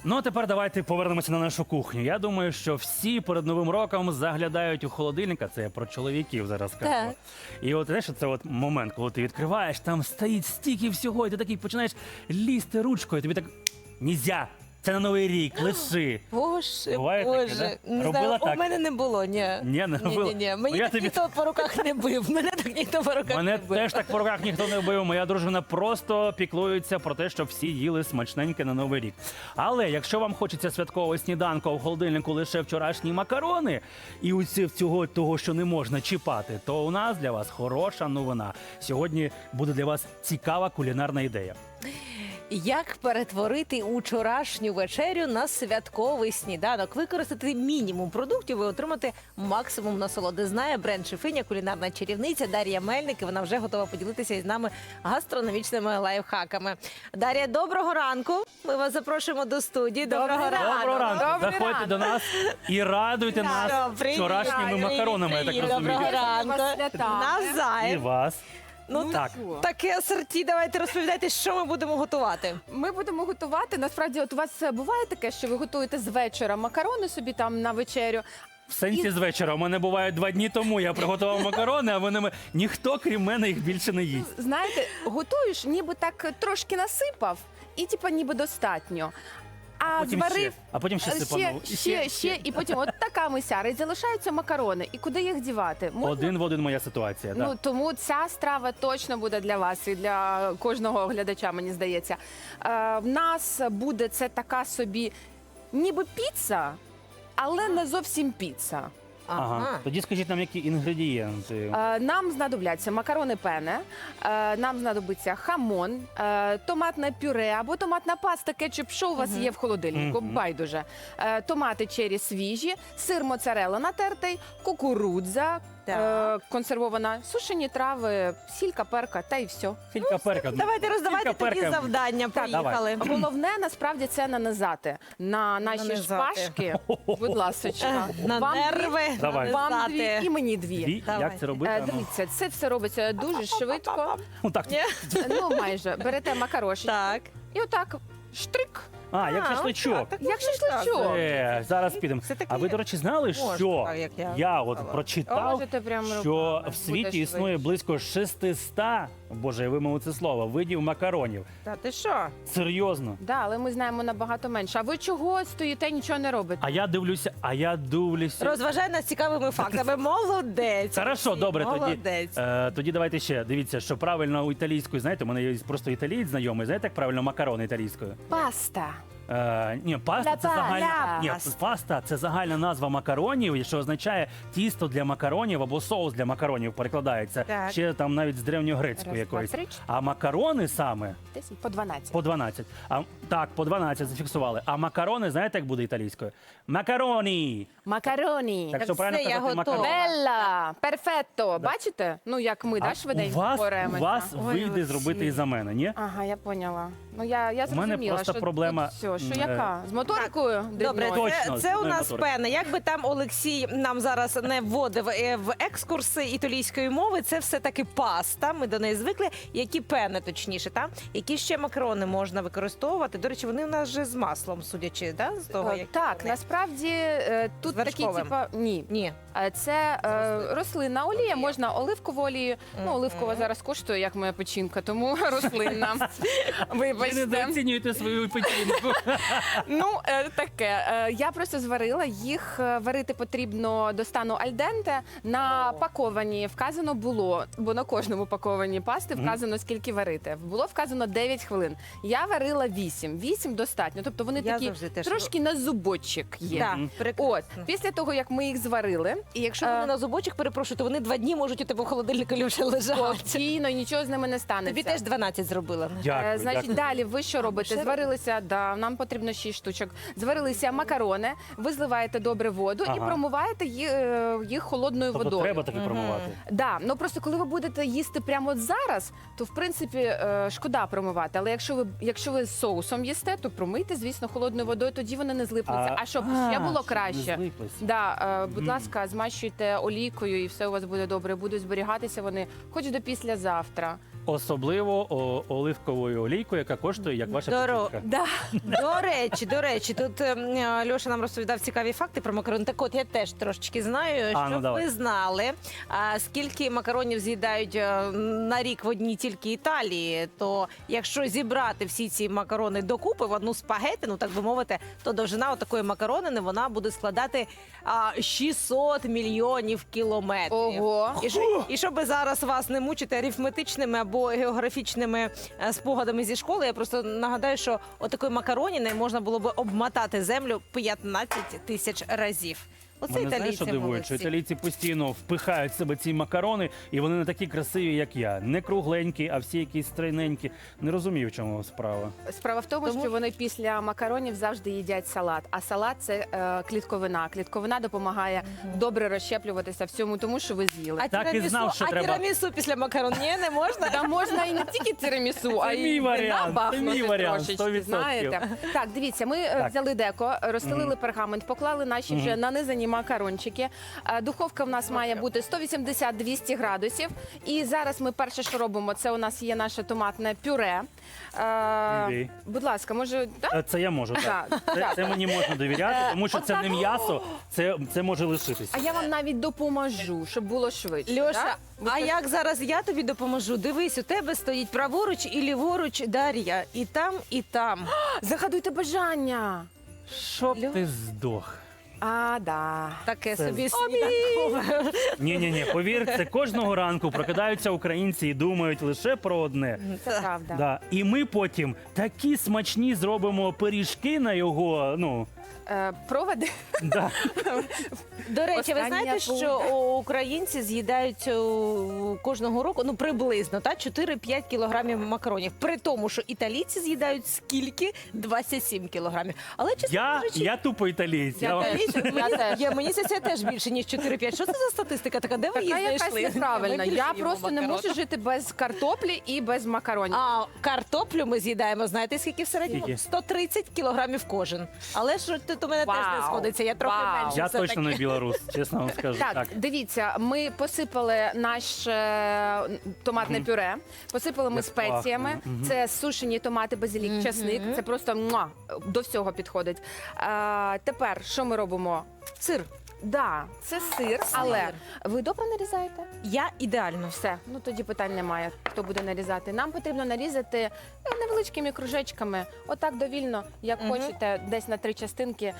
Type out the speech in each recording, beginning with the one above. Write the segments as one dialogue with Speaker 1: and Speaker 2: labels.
Speaker 1: Ну, а тепер давайте повернемося на нашу кухню. Я думаю, що всі перед Новим роком заглядають у холодильник, а це я про чоловіків зараз кажу.
Speaker 2: Так.
Speaker 1: І от, знаєш, це от момент, коли ти відкриваєш, там стоїть стільки всього, і ти такий починаєш лізти ручкою, тобі так, нельзя, це на Новий рік, лиши.
Speaker 2: Боже,
Speaker 1: Буває таке,
Speaker 2: Боже.
Speaker 1: да?
Speaker 2: Не
Speaker 1: Робила
Speaker 2: знаю,
Speaker 1: так?
Speaker 2: у мене не було, ні.
Speaker 1: Ні, не робила?
Speaker 2: Ні.
Speaker 1: Ну,
Speaker 2: Мені
Speaker 1: я
Speaker 2: так
Speaker 1: тобі-
Speaker 2: ніхто по руках не бив. Мене так ніхто по руках
Speaker 1: Мене
Speaker 2: не бив.
Speaker 1: теж так по руках ніхто не бив. Моя дружина просто піклується про те, щоб всі їли смачненьке на Новий рік. Але якщо вам хочеться святкового сніданку, а в холодильнику лише вчорашні макарони і цього того, що не можна чіпати, то у нас для вас хороша новина. Сьогодні буде для вас цікава кулінарна ідея.
Speaker 2: Як перетворити учорашню вечерю на святковий сніданок? Використати мінімум продуктів і отримати максимум насолоди. Знає бренд-шефиня, кулінарна чарівниця Дар'я Мельник, і вона вже готова поділитися із нами гастрономічними лайфхаками. Дар'я, доброго ранку. Ми вас запрошуємо до студії. Доброго ранку.
Speaker 1: Доброго ранку!
Speaker 3: Добрий
Speaker 1: Заходьте
Speaker 3: ранок.
Speaker 1: до нас і радуйте нас
Speaker 2: Привіт,
Speaker 1: вчорашніми
Speaker 2: привіт,
Speaker 1: макаронами, я так
Speaker 2: привіт.
Speaker 1: розумію.
Speaker 2: Доброго ранку.
Speaker 3: Вас святами.
Speaker 1: І
Speaker 2: Навзаєм.
Speaker 1: вас.
Speaker 2: Ну,
Speaker 1: так.
Speaker 2: таке асорті. Давайте розповідайте, що ми будемо готувати.
Speaker 3: Ми будемо готувати. Насправді, от у вас буває таке, що ви готуєте з вечора макарони собі там на вечерю.
Speaker 1: В сенсі з вечора. У мене буває 2 дні тому. Я приготував макарони, а вони ніхто, крім мене, їх більше не їсть.
Speaker 3: Знаєте, готуєш, ніби так трошки насипав, і типа ніби достатньо. А зварив
Speaker 1: А потім ще сипанув.
Speaker 3: ще, і потім от така мисяра, і залишаються макарони. І куди їх дівати? Можна?
Speaker 1: Один в один моя ситуація.
Speaker 3: Ну
Speaker 1: Так.
Speaker 3: тому ця страва точно буде для вас і для кожного глядача, мені здається. В нас буде це така собі, ніби піца, але не зовсім піца.
Speaker 1: Ага. Тоді скажіть нам, які інгредієнти.
Speaker 3: Нам знадобляться макарони пене, нам знадобиться хамон, томатне пюре або томатна паста, кетчуп, що у вас є в холодильнику, байдуже. Томати чері свіжі, сир моцарелла натертий, кукурудза консервована, сушені трави, сілька, перка та й все.
Speaker 1: Філька перка.
Speaker 2: Давайте роздавайте
Speaker 1: Філька
Speaker 2: тоді
Speaker 1: перка.
Speaker 2: завдання. Поїхали.
Speaker 3: Головне насправді це нанизати на наші
Speaker 2: Нанизати.
Speaker 3: шпажки. Будь ласочка.
Speaker 2: На
Speaker 3: Вам
Speaker 2: нерви.
Speaker 1: Давай.
Speaker 3: Вам
Speaker 2: нанизати.
Speaker 3: дві і мені дві.
Speaker 1: Дві?
Speaker 2: Давай.
Speaker 1: Як це робити? Ну,
Speaker 3: Дивіться, це все робиться дуже швидко.
Speaker 1: ну, так.
Speaker 3: Ну, майже. Берете макарошечку
Speaker 2: Так.
Speaker 3: і отак штрик,
Speaker 1: А, як шашличок.
Speaker 3: як шашличок.
Speaker 1: Зараз підемо.
Speaker 2: Все таки
Speaker 1: А ви, до речі, знали,
Speaker 2: можна,
Speaker 1: що
Speaker 2: так, як я
Speaker 1: я от
Speaker 2: сказала.
Speaker 1: прочитав,
Speaker 3: Можете прямо
Speaker 1: що
Speaker 3: руками,
Speaker 1: в світі
Speaker 3: буде
Speaker 1: існує
Speaker 3: швидше.
Speaker 1: близько 600, боже, я вимовив це слово, видів макаронів.
Speaker 2: Та ти що?
Speaker 1: Серйозно.
Speaker 3: Да, але ми знаємо набагато менше. А ви чого стоїте, нічого не робите?
Speaker 1: А я дивлюся.
Speaker 2: Розважай нас цікавими фактами. Молодець.
Speaker 1: Хорошо, добре,
Speaker 2: Молодець.
Speaker 1: тоді давайте ще. Дивіться, що правильно у італійською, знаєте, у мене є просто італієць знайомий, знаєте, як правильно макарони італійською?
Speaker 3: Паста.
Speaker 1: Ні, паста це загальна. Ні,
Speaker 2: паста.
Speaker 1: паста це загальна назва макаронів, що означає тісто для макаронів або соус для макаронів перекладається.
Speaker 2: Так.
Speaker 1: Ще там навіть з древньогрецької
Speaker 3: Раз,
Speaker 1: якоїсь.
Speaker 3: два, три, чотири.
Speaker 1: А макарони саме
Speaker 3: 10 по 12.
Speaker 1: по 12. Так, по 12 зафіксували. А макарони, знаєте, як буде італійською? Макароні.
Speaker 3: Макароні.
Speaker 1: Так що
Speaker 2: все,
Speaker 1: правильно
Speaker 2: я
Speaker 1: казати
Speaker 2: готова.
Speaker 1: макарони.
Speaker 3: Белла, перфетто. Бачите? Ну, як ми, да, швиденько
Speaker 1: у
Speaker 3: боремося.
Speaker 1: вас
Speaker 2: Ой,
Speaker 1: вийде
Speaker 2: Олексій.
Speaker 1: зробити і за мене, ні?
Speaker 3: Ага, я поняла. Ну, я
Speaker 1: У мене
Speaker 3: зрозуміла,
Speaker 1: просто
Speaker 3: що
Speaker 1: проблема,
Speaker 3: тут все, що
Speaker 1: м,
Speaker 3: яка? З моторикою?
Speaker 2: Добре,
Speaker 3: дрібною?
Speaker 1: Точно,
Speaker 2: це у
Speaker 1: з
Speaker 2: нас
Speaker 1: моторики.
Speaker 2: пене. Як би там Олексій нам зараз не вводив в екскурси італійської мови, це все-таки паста. Ми до неї звикли. Які пени, точніше, та? Які ще макарони можна використовувати? До речі, вони у нас вже з маслом, судячи, да? З того, як
Speaker 3: Так,
Speaker 2: вони.
Speaker 3: насправді тут
Speaker 2: З
Speaker 3: такі,
Speaker 2: вершковим.
Speaker 3: типа, ні.
Speaker 2: Ні.
Speaker 3: Це рослинна олія, можна оливкову олію. Ну, оливкова
Speaker 2: Мгм.
Speaker 3: зараз коштує, як моя печінка, тому рослинна.
Speaker 1: Ви не
Speaker 3: Вибачте.
Speaker 1: недооцінюєте свою печінку.
Speaker 3: Ну, таке. Я просто зварила. Їх варити потрібно до стану альденте. На паковані вказано було, бо на кожному паковані пасти вказано, скільки варити. Було вказано 9 хвилин. Я варила 8. 8 достатньо. Тобто вони
Speaker 2: Я
Speaker 3: такі
Speaker 2: завжди теж-
Speaker 3: трошки на зубочок є.
Speaker 2: Так,
Speaker 1: Мгм.
Speaker 2: прекрасно.
Speaker 3: От, після того, як ми їх зварили,
Speaker 2: І якщо вони на зубочок, перепрошую, то вони 2 дні можуть у тебе в холодильнику вже лежати.
Speaker 3: спокійно, і нічого з ними не станеться.
Speaker 2: Тобі теж 12 зробила.
Speaker 1: Дякую,
Speaker 3: Значить,
Speaker 1: дякую.
Speaker 3: далі ви що робите?
Speaker 2: ще
Speaker 3: Зварилися, да, нам потрібно 6 штучок. Зварилися макарони, ви зливаєте добре воду і
Speaker 1: Ага.
Speaker 3: промиваєте їх холодною
Speaker 1: Тобто
Speaker 3: водою.
Speaker 1: треба таки промивати.
Speaker 3: Да, ну просто коли ви будете їсти прямо от зараз, то в принципі шкода промивати. Але якщо ви з соусом їсте, то промийте, звісно, холодною водою, тоді вони не злипнуться. А щоб ще було
Speaker 1: щоб
Speaker 3: краще,
Speaker 1: не злиплись.
Speaker 3: да, будь ласка, змащуйте олійкою і все у вас буде добре. Будуть зберігатися вони хоч до післязавтра.
Speaker 1: особливо оливковою олійкою, яка коштує, як ваша печінка.
Speaker 3: Да.
Speaker 2: До речі, тут Льоша нам розповідав цікаві факти про макарони. Так от я теж трошечки знаю,
Speaker 1: ну,
Speaker 2: щоб
Speaker 1: давай.
Speaker 2: ви знали, скільки макаронів з'їдають на рік в одній тільки Італії, то якщо зібрати всі ці макарони докупи в одну спагетину, так би мовити, то довжина такої макаронини вона буде складати 600 мільйонів кілометрів.
Speaker 3: Ого.
Speaker 2: І щоб зараз вас не мучити арифметичними або географічними спогадами зі школи, я просто нагадаю, що отакої макароніни можна було би обмотати землю 15 тисяч разів. Оце
Speaker 1: Мене знаєш,
Speaker 2: італійці
Speaker 1: що дивує, що
Speaker 2: молодці.
Speaker 1: італійці постійно впихають в себе ці макарони, і вони не такі красиві, як я. Не кругленькі, а всі якісь стройненькі. Не розумію, в чому справа.
Speaker 3: Справа в тому, що вони після макаронів завжди їдять салат. А салат це клітковина. Клітковина допомагає добре розщеплюватися всьому тому, що ви з'їли.
Speaker 1: Так і знав, що треба.
Speaker 2: тірамісу після макарон ні, не можна?
Speaker 3: Та можна і не тільки тирамісу, а
Speaker 1: мій
Speaker 3: й
Speaker 1: варіант,
Speaker 3: вина
Speaker 1: це мій
Speaker 3: бахнути
Speaker 1: варіант,
Speaker 3: трошечки,
Speaker 1: 100%.
Speaker 3: знаєте. Так, дивіться, ми взяли деко, розстелили пергамент, поклали наші вже нанизані макарончики. Духовка в нас має бути 180-200 градусів. І зараз ми перше, що робимо, це у нас є наше томатне пюре.
Speaker 1: Окей.
Speaker 3: Будь ласка, може, так?
Speaker 1: Це я можу, так.
Speaker 3: Так.
Speaker 1: Це мені можна довіряти, тому що це не м'ясо, це може лишитися.
Speaker 3: А я вам навіть допоможу, щоб було швидше.
Speaker 2: Льоша,
Speaker 3: так?
Speaker 2: а як зараз я тобі допоможу? Дивись, у тебе стоїть праворуч і ліворуч Дар'я. І там, і там.
Speaker 3: Загадуйте бажання.
Speaker 1: Щоб ти здох.
Speaker 3: Да.
Speaker 2: Таке
Speaker 1: Це
Speaker 2: собі сніданкове.
Speaker 1: Ні, повір, це кожного ранку прокидаються українці і думають лише про одне.
Speaker 3: Це правда.
Speaker 1: Да. І ми потім такі смачні зробимо пиріжки на його,
Speaker 3: Проводи.
Speaker 1: да.
Speaker 2: До речі, ви
Speaker 3: Остання
Speaker 2: знаєте, що українці з'їдають кожного року, ну приблизно, 4-5 кілограмів макаронів. При тому, що італійці з'їдають скільки? 27 кілограмів. Але, чесно кажучи,
Speaker 1: Я тупо італієць. Я вам-
Speaker 2: мені це теж більше, ніж 4-5. Що це за статистика така? Де ви її
Speaker 3: Така якась
Speaker 2: знайшли?
Speaker 3: неправильна.
Speaker 2: Ми більше
Speaker 3: Я
Speaker 2: їмо
Speaker 3: просто не
Speaker 2: макарон.
Speaker 3: можу жити без картоплі і без макаронів.
Speaker 2: А картоплю ми з'їдаємо, знаєте, скільки в середньому?
Speaker 1: Скільки?
Speaker 2: 130 кілограмів кожен. Але ж тут у мене теж не
Speaker 3: Вау.
Speaker 2: сходиться, я трохи
Speaker 3: Вау.
Speaker 2: менше.
Speaker 1: Я
Speaker 2: все-таки.
Speaker 1: точно не білорус, чесно вам скажу.
Speaker 3: Так, дивіться, ми посипали наше томатне пюре, посипали ми
Speaker 1: Як
Speaker 3: спеціями.
Speaker 1: пахне. Мгм.
Speaker 3: Це сушені томати, базилік, часник. Це просто до всього підходить. Тепер що ми робимо?
Speaker 2: Сир.
Speaker 3: Да, це сир, але ви добре нарізаєте?
Speaker 2: Я ідеально.
Speaker 3: Все, ну тоді питань немає, хто буде нарізати. Нам потрібно нарізати невеличкими кружечками, отак довільно, як хочете, десь на 3 частинки.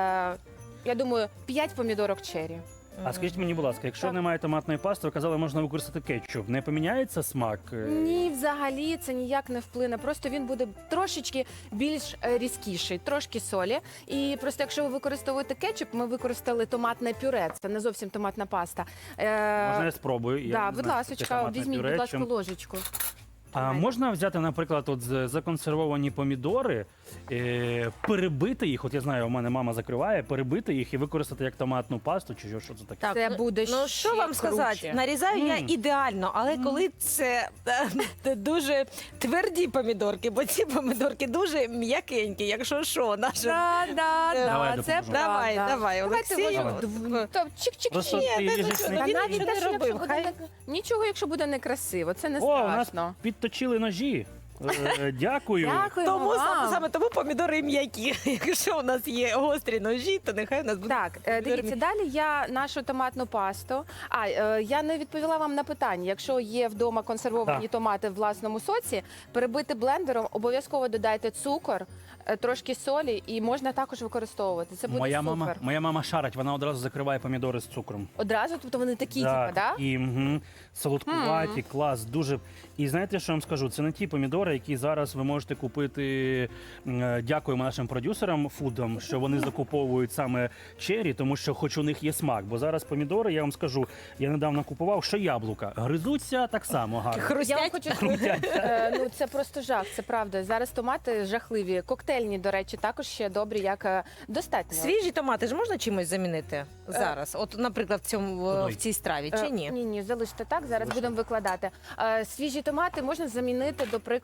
Speaker 3: Я думаю, 5 помідорок черрі.
Speaker 1: А скажіть мені, будь ласка, якщо
Speaker 3: Так.
Speaker 1: немає томатної пасти, ви казали, можна використати кетчуп. Не поміняється смак?
Speaker 3: Ні, взагалі це ніяк не вплине. Просто він буде трошечки більш різкіший, трошки солі. І просто якщо ви використовуєте кетчуп, ми використали томатне пюре. Це не зовсім томатна паста.
Speaker 1: Можна я спробую? Я
Speaker 3: Да,
Speaker 1: не
Speaker 3: будь
Speaker 1: знаю, що таке
Speaker 3: ласка,
Speaker 1: томатне
Speaker 3: візьміть,
Speaker 1: пюре,
Speaker 3: будь ласка,
Speaker 1: чим-
Speaker 3: ложечку.
Speaker 1: А можна взяти, наприклад, законсервовані помідори, перебити їх, от я знаю, у мене мама закриває, перебити їх і використати як томатну пасту, чи що це таке?
Speaker 2: Так,
Speaker 3: Це буде
Speaker 2: ну
Speaker 3: ще
Speaker 2: що вам сказати?
Speaker 3: круче.
Speaker 2: Нарізаю я ідеально, але коли це дуже тверді помідорки, бо ці помідорки дуже м'якенькі, якщо що, наша.
Speaker 1: Давай,
Speaker 3: це
Speaker 1: допоможу.
Speaker 2: Давай,
Speaker 3: правда.
Speaker 2: давай,
Speaker 3: Давайте
Speaker 2: Олексій.
Speaker 3: ложимо то чик-чик-чик.
Speaker 1: Просто
Speaker 2: Ні,
Speaker 1: ти
Speaker 2: не
Speaker 1: їжеш
Speaker 2: хочу,
Speaker 1: не-
Speaker 2: ну,
Speaker 3: Та
Speaker 2: він
Speaker 3: навіть
Speaker 2: не
Speaker 3: те, що
Speaker 2: робив,
Speaker 3: якщо буде
Speaker 2: хай.
Speaker 3: нічого, якщо буде некрасиво, це не
Speaker 1: О, у нас
Speaker 3: страшно.
Speaker 1: підточили ножі. Дякую.
Speaker 3: Дякуємо
Speaker 2: Тому
Speaker 3: вам.
Speaker 2: саме тому помідори і м'які. Якщо у нас є гострі ножі, то нехай у нас буде.
Speaker 3: Так, дивіться, далі я нашу томатну пасту. Я не відповіла вам на питання. Якщо є вдома консервовані
Speaker 1: Так.
Speaker 3: томати в власному соці, перебити блендером, обов'язково додайте цукор, трошки солі, і можна також використовувати. Це буде супер.
Speaker 1: Моя мама шарить, вона одразу закриває помідори з цукром.
Speaker 3: Одразу, тобто вони такі, типу, да?
Speaker 1: І солодкуваті, клас, дуже. І знаєте, що я вам скажу? Це не ті помідори, які зараз ви можете купити. Дякуємо нашим продюсерам фудам, що вони закуповують саме чері, тому що хоч у них є смак. Бо зараз помідори, я вам скажу, я недавно купував, що яблука гризуться так само гарно.
Speaker 3: Я вам
Speaker 2: Хрустять.
Speaker 3: хочу сказати, ну це просто жах, це правда. Зараз томати жахливі. Коктейльні, до речі, також ще добрі, як достатньо.
Speaker 2: Свіжі томати ж можна чимось замінити зараз? От, наприклад, в цій страві, чи ні?
Speaker 3: Ні, залиште так, зараз будемо викладати. Свіжі томати можна замінити, до прикладу,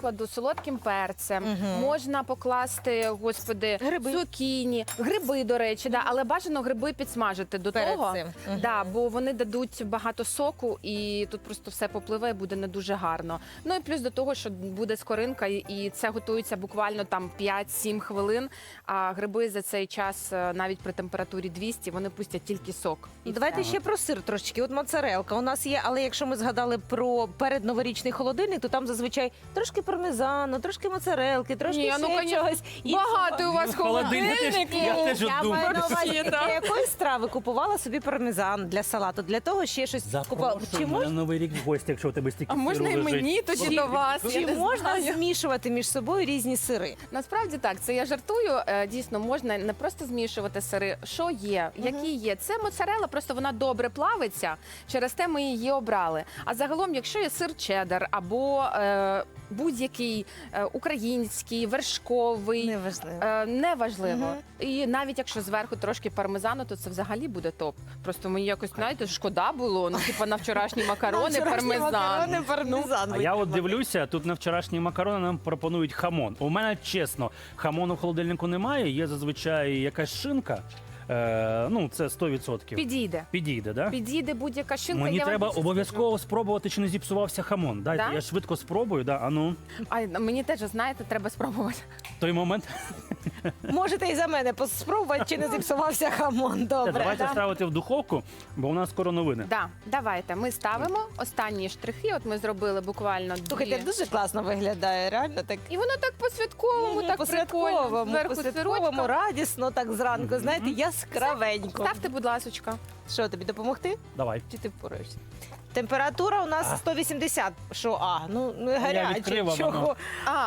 Speaker 3: прикладу, солодким перцем, можна покласти, господи,
Speaker 2: Гриби.
Speaker 3: цукіні, гриби, до речі, да, але бажано гриби підсмажити до
Speaker 2: Перед
Speaker 3: того,
Speaker 2: цим.
Speaker 3: да, бо вони дадуть багато соку, і тут просто все попливе, і буде не дуже гарно. Ну і плюс до того, що буде скоринка, і це готується буквально там 5-7 хвилин, а гриби за цей час, навіть при температурі 200, вони пустять тільки сок. І
Speaker 2: Давайте
Speaker 3: все.
Speaker 2: ще про сир трошечки. От моцарелка у нас є, але якщо ми згадали про передноворічний холодильник, то там зазвичай трошки пармезану, трошки моцарелки, трошки
Speaker 3: Ні, ну,
Speaker 2: ще
Speaker 3: конечно,
Speaker 2: чогось.
Speaker 3: багато у вас
Speaker 1: Холодильник, я теж
Speaker 2: Я
Speaker 1: думаю.
Speaker 2: маю на увазі,
Speaker 3: Всі,
Speaker 2: для
Speaker 3: так.
Speaker 2: якої страви купувала собі пармезан для салату, для того ще щось купувала.
Speaker 1: Запрошуй мене на Новий рік в гості, якщо у тебе стільки
Speaker 3: А можна
Speaker 1: сиру
Speaker 3: і
Speaker 1: лежить.
Speaker 3: мені тоді до вас? Я
Speaker 2: Чи
Speaker 3: не
Speaker 2: можна
Speaker 3: знаю.
Speaker 2: змішувати між собою різні сири?
Speaker 3: Насправді так, це я жартую. Дійсно, можна не просто змішувати сири. Що є, які є? Це моцарелла, просто вона добре плавиться. Через те ми її обрали. А загалом, якщо є сир чеддер або будь-який український, вершковий.
Speaker 2: Неважливо.
Speaker 3: Неважливо. І навіть якщо зверху трошки пармезану, то це взагалі буде топ. Просто мені якось, знаєте, шкода було. Ну, типу, на вчорашні макарони, пармезан.
Speaker 2: пармезан.
Speaker 1: А я от дивлюся, тут на вчорашні макарони нам пропонують хамон. У мене, чесно, хамону в холодильнику немає, є зазвичай якась шинка. Ну, це 100%.
Speaker 3: Підійде.
Speaker 1: Підійде, да?
Speaker 3: Підійде будь-яка шинка.
Speaker 1: Мені
Speaker 3: я вам
Speaker 1: треба
Speaker 3: більше
Speaker 1: обов'язково спробувати, чи не зіпсувався хамон. Дайте,
Speaker 3: Да?
Speaker 1: я швидко спробую, да? А ну,
Speaker 3: скажу. Ай, мені теж, знаєте, треба спробувати.
Speaker 1: той момент.
Speaker 2: Можете і за мене спробувати, чи не зіпсувався хамон. Добре.
Speaker 1: Давайте
Speaker 2: да?
Speaker 1: ставити в духовку, бо у нас скоро новини.
Speaker 3: Да, давайте. Ми ставимо останні штрихи. От ми зробили буквально
Speaker 2: Слухайте,
Speaker 3: дві.
Speaker 2: дуже класно виглядає, реально так.
Speaker 3: І воно так по-святковому, так прикольно.
Speaker 2: по-святковому,
Speaker 3: Зверху
Speaker 2: по-святковому,
Speaker 3: сирочка.
Speaker 2: радісно, так зранку, знаєте, яскравенько.
Speaker 3: Ставте, будь ласочка.
Speaker 2: Що, тобі допомогти?
Speaker 1: Давай.
Speaker 2: Чи ти впораєшся? Температура у нас 180. Що, ну гаряче.
Speaker 1: відкрив, а
Speaker 2: Чого?
Speaker 1: воно.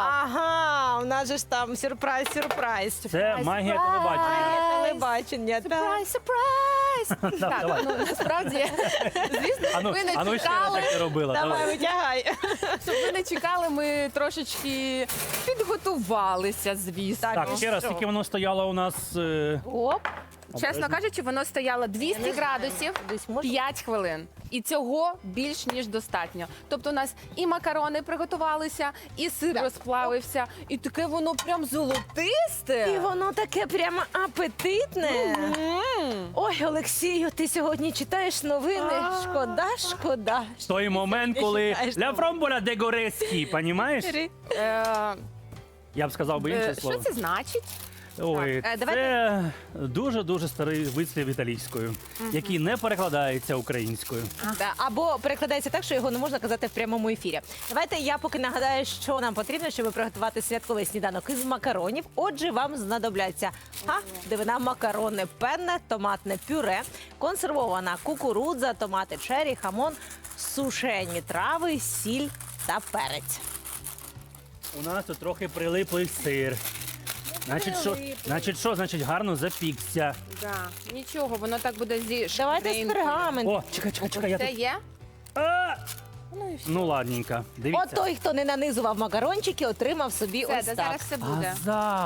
Speaker 2: Ага, у нас же ж там сюрприз.
Speaker 1: Це магія телебачення.
Speaker 2: Телебачення. так.
Speaker 3: Сюрприз, сюрприз! Так,
Speaker 1: давай.
Speaker 3: ну насправді, звісно,
Speaker 1: Ану,
Speaker 3: ви не
Speaker 1: ану ще раз
Speaker 3: чекали.
Speaker 1: як ти робила.
Speaker 2: Давай,
Speaker 1: Давай.
Speaker 2: витягай.
Speaker 3: Щоб ви не чекали, ми трошечки підготувалися, звісно.
Speaker 1: Так, ще раз, скільки воно стояло у нас.
Speaker 2: Оп.
Speaker 3: Чесно кажучи, воно стояло 200
Speaker 2: Я не знаю.
Speaker 3: градусів
Speaker 2: Десь можна?
Speaker 3: 5 хвилин. І цього більш ніж достатньо. Тобто у нас і макарони приготувалися, і сир розплавився, і таке воно прям золотисте.
Speaker 2: І воно таке прямо апетитне. Ой, Олексію, ти сьогодні читаєш новини. Шкода.
Speaker 1: Той момент, коли
Speaker 2: читаєш
Speaker 1: ля
Speaker 2: там.
Speaker 1: фромболя де гореські, понімаєш?
Speaker 3: Е,
Speaker 1: Я б сказав би інше
Speaker 3: Що
Speaker 1: слово.
Speaker 3: це значить?
Speaker 1: Ой,
Speaker 2: Так,
Speaker 1: це
Speaker 2: давайте.
Speaker 1: дуже-дуже старий вислів італійською, який не перекладається українською.
Speaker 2: Да, або перекладається так, що його не можна казати в прямому ефірі. Давайте я поки нагадаю, що нам потрібно, щоб приготувати святковий сніданок із макаронів. Отже, вам знадобляться дивина, макарони, пенне, томатне пюре, консервована кукурудза, томати чері, хамон, сушені трави, сіль та перець.
Speaker 1: У нас тут трохи прилиплий сир. Значить, гарно запікся.
Speaker 3: Да. Нічого, воно так буде зі
Speaker 2: Давайте з
Speaker 3: шкринкою.
Speaker 2: пергаменту.
Speaker 1: О, чекай, я
Speaker 3: Це
Speaker 1: тут.
Speaker 3: є?
Speaker 1: А!
Speaker 3: Ну і все.
Speaker 1: Ну ладненько, дивіться.
Speaker 2: От той, хто не нанизував макарончики, отримав собі
Speaker 3: Все,
Speaker 2: ось
Speaker 3: да,
Speaker 2: так.
Speaker 3: зараз все буде.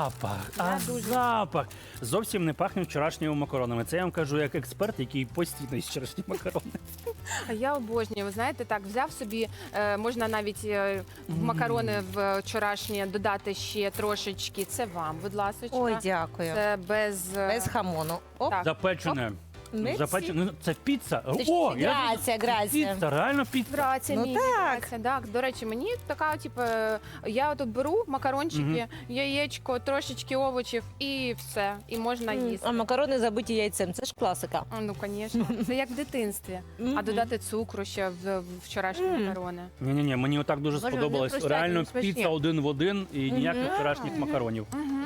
Speaker 1: Запах. Зовсім не пахне вчорашніми макаронами. Це я вам кажу як експерт, який постійно їсть вчорашні макарони.
Speaker 3: А я обожнюю. Ви знаєте, так взяв собі, можна навіть в макарони вчорашні додати ще трошечки. Це вам, будь ласка.
Speaker 2: Ой, дякую.
Speaker 3: Це без,
Speaker 2: Без хамону. Оп.
Speaker 3: Так.
Speaker 1: Запечене.
Speaker 2: Мерсі.
Speaker 1: Запечене. Це піца.
Speaker 2: Точніше, грація.
Speaker 1: Піца, реально піца.
Speaker 3: Грація,
Speaker 2: Ну
Speaker 3: мій,
Speaker 2: так.
Speaker 3: грація. Так, до речі, мені така, типу, я тут беру макарончики, яєчко, трошечки овочів і все. І можна їсти.
Speaker 2: А макарони забиті яйцем. Це ж класика.
Speaker 3: Ну, звісно, це як в дитинстві. А додати цукру ще в вчорашні макарони.
Speaker 1: Ні, мені отак дуже
Speaker 2: Боже,
Speaker 1: сподобалось.
Speaker 2: вони прощать,
Speaker 1: Реально
Speaker 2: вони смачні.
Speaker 1: піца один в один і ніяких вчорашніх макаронів.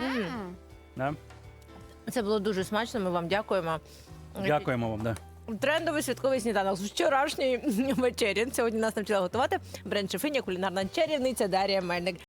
Speaker 1: Да?
Speaker 2: Це було дуже смачно. Ми вам дякуємо.
Speaker 1: Дякуємо вам. Да.
Speaker 2: Трендовий святковий сніданок з вчорашньої вечері. Сьогодні нас навчила готувати бренд-шефиня, кулінарна чарівниця Дар'я Мельник.